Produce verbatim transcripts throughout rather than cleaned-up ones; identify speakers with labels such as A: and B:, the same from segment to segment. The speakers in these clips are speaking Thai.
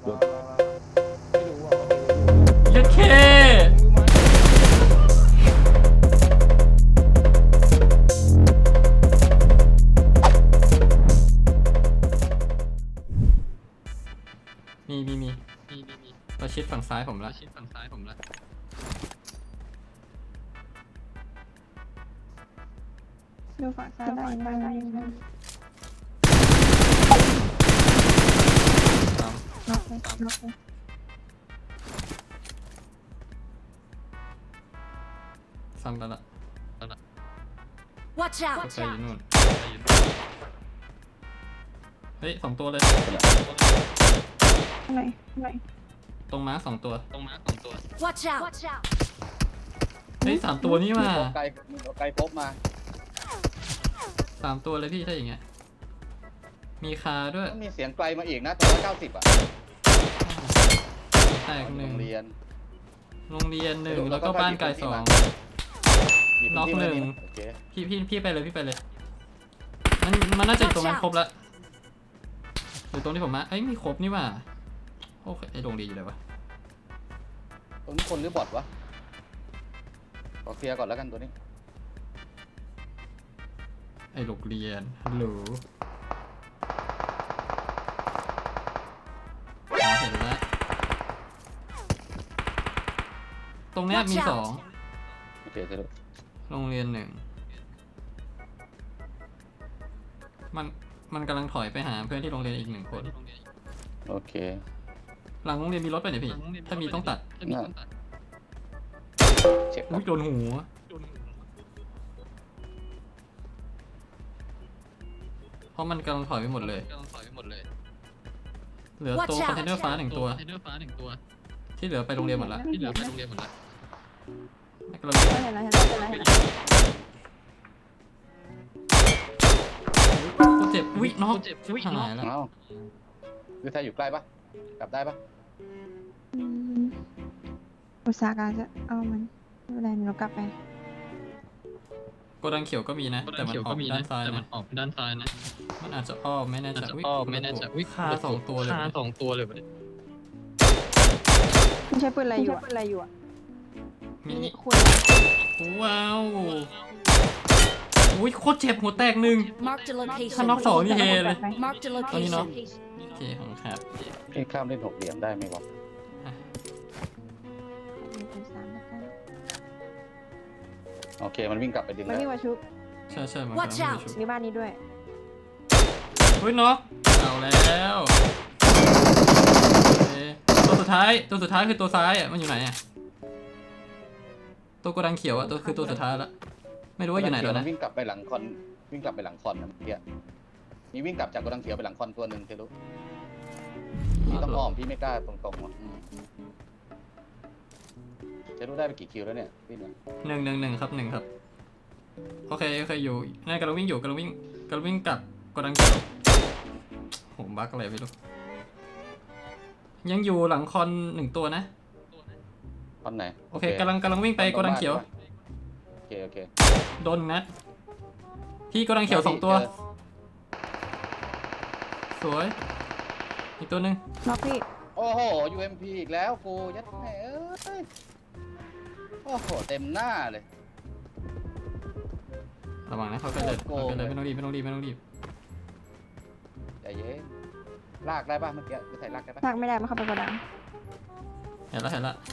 A: ยัดเคมีมีมีมีมีมีประชิดฝั่งซ้ายผมละประชิดฝั่งซ้ายผมละ
B: ดูฝั่งซ้ายได้ได้ได้ได้น็อกเลยน็อกเลย
A: ซ้ำแล้วละ
C: Watch
A: ก็
C: out!
A: ไปอยู่นู่นเฮ้ยสองตัวเลย
B: ข้างในข้างใน
A: ตรงม้าสองตัวตรงม้าสองตัว
C: Watch out! Watch out!
A: เฮ้ยสามตัวนี่มา
D: ไกลไกลพบมา
A: สามตัวเลยพี่ถ้าอย่างเงี้ยมีคาด้วย
D: ต้องมีเสียงไกลมาอีกนะตัวละเก้าสิบอ่ะ
A: แตกหนึ่ง
D: โรงเรียน
A: โรงเรียนหนึ่งแล้วก็บ้านไกลสอง
D: มีพื้
A: น็อก
D: ที่
A: หนึ่ง
D: โอเค
A: พี่พี่พี่ไปเลยพี่ไปเลยมันมันน่าจะอยู่ตรงนั้นครบละหรือตรงที่ผมมาเอ้ยมีครบนี่หว่าโอเคไอโรงเรียนอยู่ไหนวะ
D: ตรงนี้คนหรือบอทวะขอเคลียร์ก่อนแล้วกันตัวนี้
A: ไอโรงเรียนฮัลโหลอ๋อเห็นแล้วตรงเนี้ยมีสอง
D: โอเคเสร็จแล้ว
A: โรงเรียนหนึ่งมันมันกำลังถอยไปหาเพื่อนที่โรงเรียนอีกหนึ่งคน
D: โอเค
A: หลังโรงเรียนมีรถไปไหนพี่ถ้ามีต้องตัด
D: น่าเช็คก่อ
A: อุ้
D: น
A: ยโดนหูเพราะมันกำลังถอยไปหมดเลยเหลือตัวคอนเทนเนอร์ฟ้าหนึ่งตัวที่เหลือไปโรงเรียนหมดละที่เหลือไปโรงเรียนหมดละกำลัง
B: เห็นแล้วเห็นแล้วเห็นแล้วเห็นแล้ว
A: กูเจ็บอุ้ยน้องหายแล้ว
D: เอ้าคือไทยอยู่ใกล้ปะกลับได้ปะ
B: อืมอุตสาหการจะเอามันไม่เป็นไรเรากลับไป
A: โกดังเขียวก็มีนะแต่มันออกด้านซ้าย
E: แต่มั
A: นะ
E: นออกด้านซ้ายนะ
A: มันอาจจะอ้อมไม่แน่
E: อาจ
A: ใจ
E: จะ
A: อุ้ย
E: อ้อมไม่แน่ใจอุ้ย
A: คาสองตัวเลย
E: คาสองตัวเลยประเด็น
B: ไม่ใช่ปืนอะไรอยู่ปืนอะไรอยู่อ่ะ
A: มี
B: คุณ
A: ว้าวอุ้ยโคตรเจ็บหัวแตกหนึ่ง
C: Marked a
A: ถ้าน็อก
C: location.
A: สองนี่เฮเลย
C: Marked a
A: ตอนนี้เนาะ
C: location.
A: โอเคของครับ
D: พี่ข้ามเล่นหกเหลี่ยมได้ไหมวะโอเคมันวิ่งกลับไปดึง
B: มัน
D: แล้ว
B: วิ่งมาชุบ
A: ใช่ใช่มัน
C: Watch
A: กำลัง
C: out
A: ไปชุบ
B: นี่บ้านนี้ด้วย
A: อุ้ยน็อกเอาแล้วโอเคตัวสุดท้ายตัวสุดท้ายคือตัวซ้ายอ่ะมันอยู่ไหนอ่ะตัวโกดังเขียวอ่ะตัวคือตัวสุดท้ายละไม่รู้ว่าอยู่ไหนแล้วนะ
D: วิ่งกลับไปหลังคอนวิ่งกลับไปหลังคอนนะเมื่อกี้มีวิ่งกลับจากโกดังเขียวไปหลังคอนตัวหนึ่งเทลุพี่ต้องอ้อมพี่ไม่กล้าตรงๆว่ะเทลุได้ไปกี่คิวแล้วเนี่ยพี่เนี่ย
A: หนึ่งหนึ่งหนึ่งครับหนึ่งครับโอเคโอเคอยู่นั่นกำลังวิ่งอยู่กำลังวิ่งกำลังวิ่งกลับโกดังเขียวโหบั๊กอะไรไม่รู้ยังอยู่หลังคอนหนึ่งตัวนะ
D: คอนไหน
A: โอเคกำลังกำลังวิ่งไปโกดังเขียว
D: โอเคโอเค
A: โดนนัดพี่โกดังเขียวสองตัวสวยอีกตัวหนึ่ง
B: น็อกพี่
D: โอ้โห ยู เอ็ม พี อีกแล้วกูยัดแม่เอ้ยโอ้โหเต็มหน้าเลย
A: ระวังนะเขาก็เลยเขาก็เลยไม่ต้องรีบไม่ต้องรีบไม่ต้องรีบ
D: ใจเย็นลากได้ป่ะเมื่อกี้คือใส่ลากได้ป่ะ
B: ลากไม่ได้มาเข้าไปกระดัง
A: เห็นแล้วเห็นแล้ว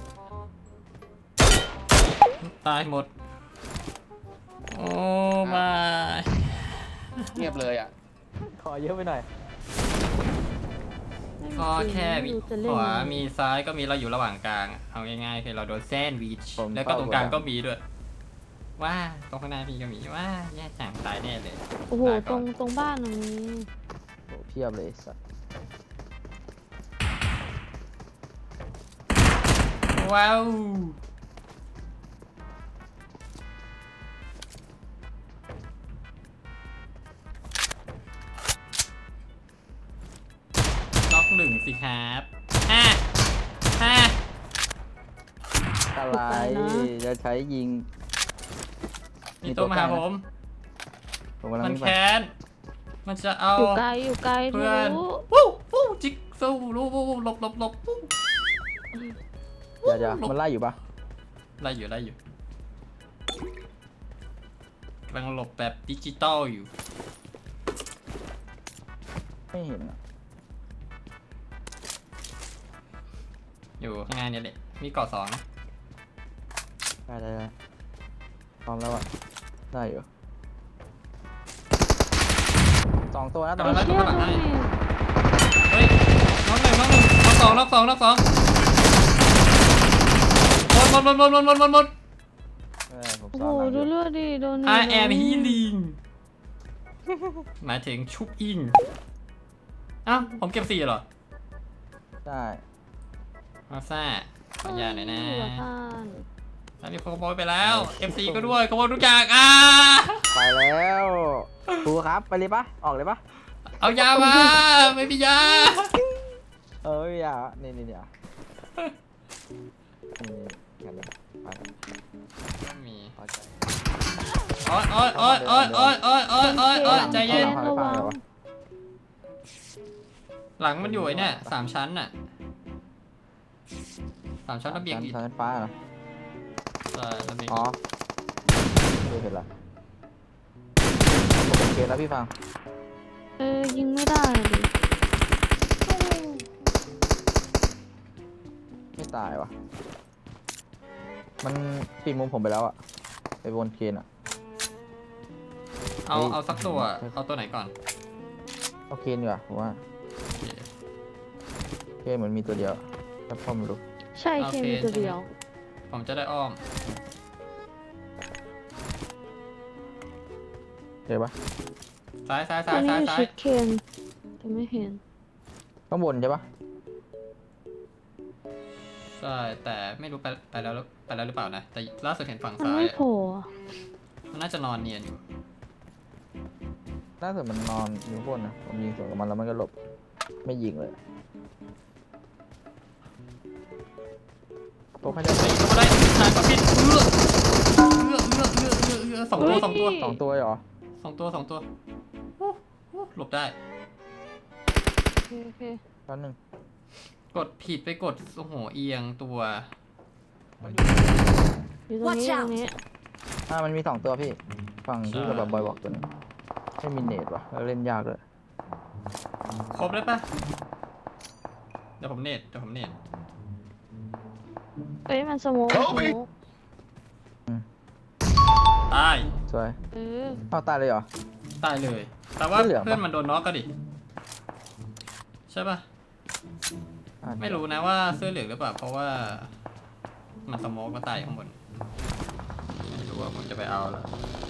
A: ตายหมดโอ้มา
D: เงียบเลยอ่ะ
F: ขอเยอะไปหน่อย
A: ก็แค่มีขวามีซ้ายก็มีเราอยู่ระหว่างกลางเอาง่ายๆคือเราโดนแซนด์วิชแล้วก็ตรงกลางก็มีด้วยว่าตรงข้างหน้าพี่ก็มีว่าแย่จังตายแน่เลย
G: โอ้โห
A: ตาย
G: ต
A: ก่
G: ร
A: อน
G: งตรงบ้านตรงนี้
F: โหเพียบเลยไอ้สัส
A: ว้าวล็อกหนึ่งสิครับห้าห้า
F: อะไรจะใช้ยิง
A: มีตัวมาหาผม
F: ผมกำลัง
A: มัน
F: วิ่งไป
A: แค้นมันจะเอา
B: อยู่ไกลอยู่ไกล
A: เพื่อน
B: รู้
A: วู้วู้จิกสู้รู้วู้วู้หลบหลบหลบวู้
F: เดี๋ยวเดี๋ยวมันไล่อยู่ปะ
A: ไล่อยู่ไล่อยู่กำลังหลบแบบดิจิตอลอยู่
F: ไม่เห็นอะ
A: อยู่ข้างในเนี่ยแหละมีเกาะสองนะ
F: ได้ได้ได้พร้อมแล้วอ่ะได้อยู่สองตัวนะตอน
A: กำลัง
F: นี้
A: ไล่ตัวข้างหลังให้เฮ้ยน้องหนึ่งน้องหนึ่งน้องสองน้องสองน้องสองหมดหมดหมดหมดหมดหมดหมด
F: เออผม
B: โอ้
F: ซ้
B: โห
F: อนหลังอ
B: ดู
F: ยู่
B: เลือดดิโดน
A: I am healing หมายถึงชุบอิงอ้าวผมเก็บสี่เหรอ
F: ได้
A: มาซ่าขออนุญาตหน่อยนะ
B: อยู่บ้าน
A: อันนี้ผมขโมยไปแล้ว เอฟ ซี ก็ด้วยขโมยทุกอย่างอ่า
F: ไปแล้วครูครับไปเลยปะออกเลยปะ
A: เอายามาไม่มียา
F: เอ้ยอ่ะนี่นี่นี่อ่ะนี่กันเลยไปกัน
A: ไม่มี
F: พอใจ
A: โอ๊ยโอ๊ยโอ๊ยโอ๊ยโอ๊ยโอ๊ยโอ๊ยโอ๊ยโอ๊ยใจเย็น
F: อาหลัง
B: ระวัง
F: เอาหลังเอาหลัง
A: หลังมันอยู่ไอ้เนี่ยสามชั้นน่ะสามชั้นระเบียงอิฐ
F: ชั้นฟ้าเหรอ
A: ใช่ระเบียง
F: อ๋อ
A: อิฐ
F: ไม่เห็นละผมเป็นเกมแล้วพี่ฟัง
B: เออยิงไม่ได้ดิ
F: ไม่ตายวะมันปิดมุมผมไปแล้วอะไปบนเกนอะ
A: เอาเอาสักตัวเอาตัวไหนก่อน
F: เอาเกนดีกว่าผมว่า
A: โอเค
F: เกนเหมือนมีตัวเดียวแต่พ่อไม่รู้
B: ใช่เคมีตัวเดียว
A: ผมจะได้อ้อม
F: เห็นปะ
A: ซ้ายซ้าย
B: ตอ
A: ซ้าน ย
B: นี้
A: ซ้าย
B: อยู่
A: ซ้าย
B: ชิดเคนแต่ไม่เห็น
F: ข้างบนใช่ปะ
A: ใช่แต่ไม่รู้ไปไปแล้วไปแล้วหรือเปล่านะแต่ล่าสุดเห็นฝั่ง
B: มัน
A: ซ้าย
B: ไม่
A: อะ
B: โผล่อะ
A: มันน่าจะนอนเนียนอยู่
F: น่าจะมันนอนอยู่ข้างบนนะผมยิงสวนกับมันแล้วมันก็หลบไม่ยิงเลยโอ้เขาจะ
A: ไอ้ตัวได้ทานก็ผิดเอื้อเอื้อเอื้อเอื้อเอื้อเอื้อสองตัวสองตัว
F: สองตัวเหรอ
A: สองตัวสองตัวอู้หู้หลบได้
B: โอเคโอเค
F: ตอนหนึ่ง
A: กดผิดไปกดโอ้โหเอียงตัว
B: อยู่ตรงนี้
C: Watch
B: ตรงนี้
F: อ่ามันมีสองตัวพี่ฝั่งที่
A: ใช่
F: กระบะบอยบอกตัวหนึงไม่มีเนตว่ะแล้วเล่นยากเลย
A: ครบได้ปะเดี๋ยวผมเน็ตเดี๋ยวผมเน็ต
B: เอ้ยมันสโมกสโมก
A: ตาย
F: สวย
B: เออ
F: เอาตายเลยเหรอ
A: ตายเลย แต่ว่า
F: ไม่เหลืองปะ
A: เพื่อนมันโดนน็อกก็ดิใช่ปะ
F: อ่ะ
A: ไม่รู้นะว่าเสื้อเหลืองหรือเปล่าเพราะว่ามันสโมกก็ตายอยู่ข้างบนไม่รู้ว่าผมจะไปเอาแล้ว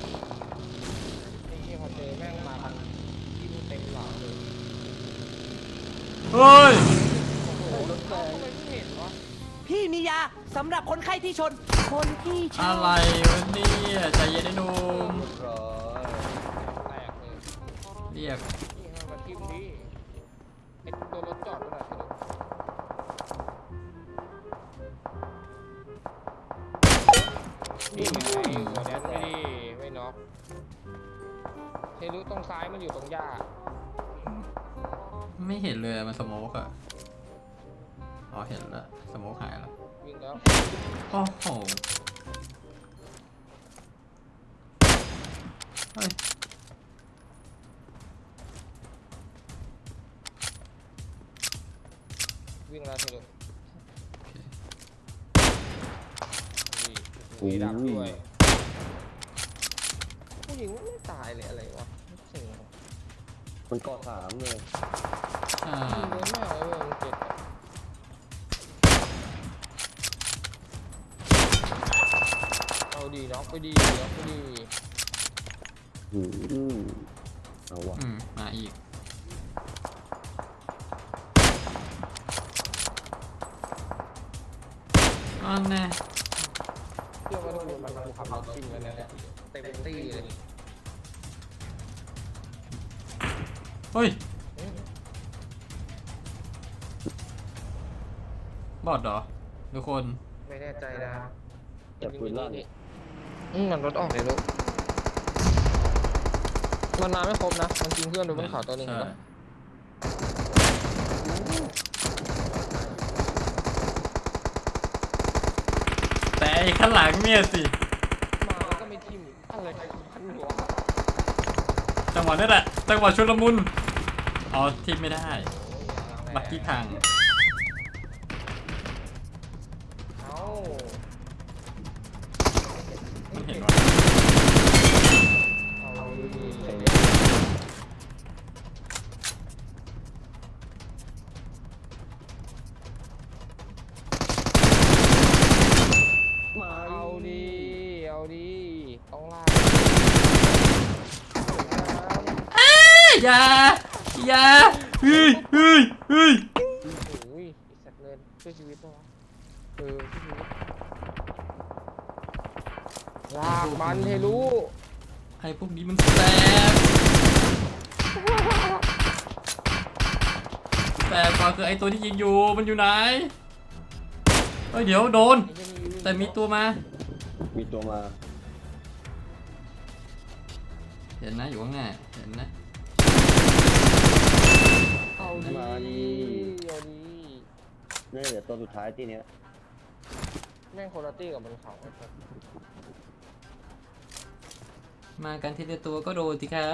G: นี่พอเจอแม่งมาพันที่เต็มหลังเลย
A: เฮ้ย
G: โอ้โหรถแรงทำไมไม่เห็นวะ
C: พี่มียาสำหรับคนไข้ที่ชน คนที่ช
A: อะ
C: อบ
A: ไรวะเนี่ยใจเย็นไอ้หนุ่ม
D: ร้อย
G: แตกเลย
A: เรียก
G: นี่ให้มาทิ่มดิไอตัวรถจอดขนาดนี้นี่ไงหัวแดนไม่ดีไม่น็อกเทลุตรงซ้ายมันอยู่ตรงหญ้า
A: ไม่เห็นเลยมันสโมกอะอ๋อเห็นแล้วสโมกหายแล้ว
G: วิ่งแล้ว
A: โอ้โหเฮ้ย
G: วิ่งแล้วเทลุ
A: โอเค
G: นี่มีดับด้วยผู้หญิงมันไม่ตายเลยอะไรวะเสิ่ง
H: มันเกาะสามเลย
A: อ่า
G: เยอะมากเลยมันเจ็บอะเอาดีน็อกไปดีน็อกไปดี
H: หืมเอาวะ
A: อืมมาอีกอันแน่
G: เชื่อว่าทุกคนมันขับรถจริงแล้วเนี่ยเต็มตี้เลย
A: เฮ้ยบอดเหรอทุกคน
G: ไม่แน่ใจนะ
H: แต่ปืนลั่น
G: อืมมันรถออกเลยลูกมันมาไม่ครบนะ มันยิงเพื่อนโดยบนเขาตัวหนึ่ง
A: ใช่
G: แล้ว
A: แต่ไอ้ข้างหลังเนี่ยสิ
G: มาแล้วก็ไม่ทิ่มอะไรกันหัว
A: จังหวะนี้แหละจังหวะชุลมุนอ๋อทิมไม่ได้บักกี้พัง
G: เอ้า
A: มันเห็นว่า
G: เอาดิ
H: มา
G: เอาดิเอาดิต้องลาก
A: อย่าอย่าเฮ้ยเฮ้ยเฮ้ย
G: โอ้ยไอ้สัตว์เงินช่วยชีวิตปะวะเออช่วยชีวิตลากมันให้รู้
A: ไอ้พวกนี้มันแสบแสบกว่าคือไอ้ตัวที่ยิงอยู่มันอยู่ไหนเฮ้ยเดี๋ยวโดน
G: ไอ้เหี้ยนี่
A: แต่มีตัวมา
H: มีตัวมา
A: เห็นนะอยู่ข้างหน้าเห็นนะ
G: เอาดิ
H: มาดิ
G: เอาดิ
H: นี่เดี๋ยวตัวสุดท้ายที่เนี้ย
G: แม่งโคตรตี้กับบนเขาไอ้สัส
A: มากันทีละตัวก็โดนสิครับ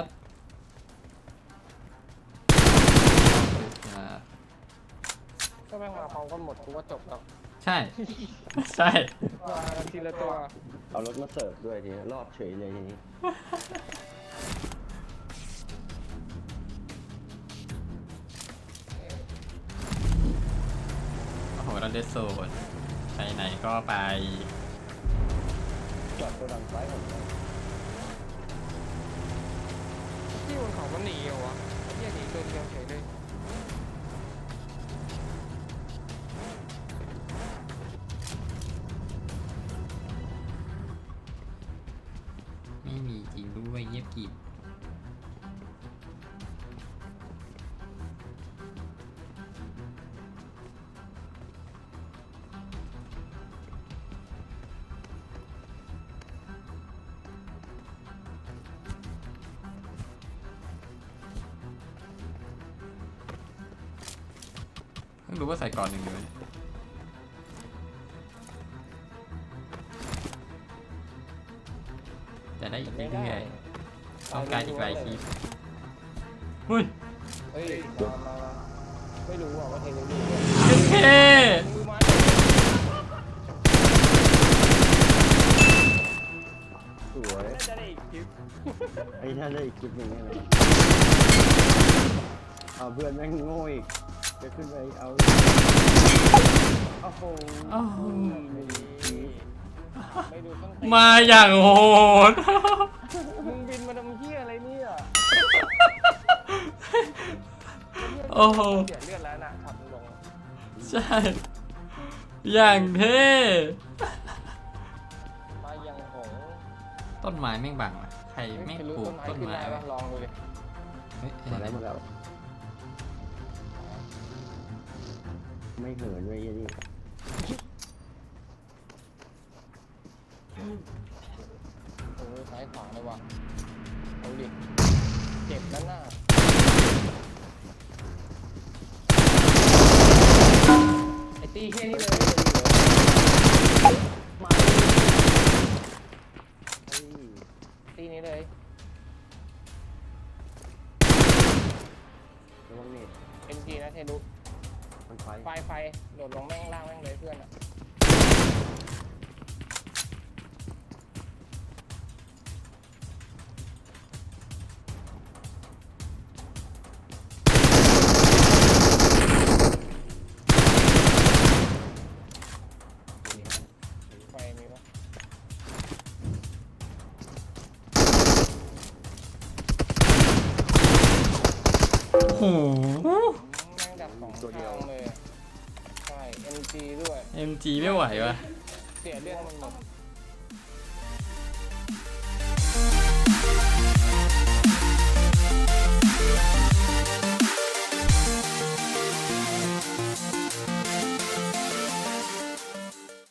A: ครับ
G: ถ้าแม่งมาพร้อมกันหมดกูว่าจบแล้ว
A: ใช่ ใช่
G: มากันทีละตัว
H: เอารถมาเสิร์ฟด้วยทีนี้รอดเฉยเลยทีนี้
A: โอ้โหเราเดสโซนไปไหนก็ไป
H: จอดตัวดังซ้ายของเรา
G: ที่บนเขามันหนีเหรอวะไอ้เหี้ยหนีตัวเดียวเฉยเลย
A: ไม่มีจริงด้วยเงียบกริบเพิ่งรู้ว่าใส่ก่อนหนึ่งเลยจะได้อีกเรื่อยๆต้องการอีกหลายคลิปเฮ้ย
G: เฮ้ยมามามาไม่รู้อ่ะว่าเทคโนโลยี
A: เท่
G: มือไม้
H: สวย
G: น่าจะได้อีกคลิป
H: ไอ้ท่านได้อีกคลิปหนึ่งแน่นอนเอาเพื่อนแม่งโง่อีกจะขึ้นไปเอาโอ้โห
A: โอ้โห
G: ไม่ดูต้อง
A: มาอย่างโหด
G: มึงบินมาทำเหี้ยอะไรเนี่ย
A: โอ้โห
G: เสียเลือดแล้วนะขับลง
A: ใช่ อย่างเท่
G: มายังหง
A: ต้นไม้แม่งบังอ่ะใครแม่งปลูกต้นไม้
G: ขึ้น
A: วะ
G: ด้ปะลองดูดิ
A: เฮ้ย
H: มาแล้วมาแล้วไม่เหินเลยยี่นี่
G: โอ้ยซ้ายขวาเลยว่ะเอาดิเจ็บด้านหน้าไอ้ตีแค่นี้เลยมาตีนี้เลย
H: ระวังนี่
G: เอ็นจีนะเทลุ
H: มันไฟ
G: ไฟไฟโดดลงแม่งล่างแม่งเลยเพื่อนอ่ะไฟมีปะ
A: โอ้โห
G: แม่งดับสองตัวเดียวเลยอะใช่ เอ็นจีด้วย
A: เอ็มจีไม่ไหววะ
G: เสียเลือดมันหมด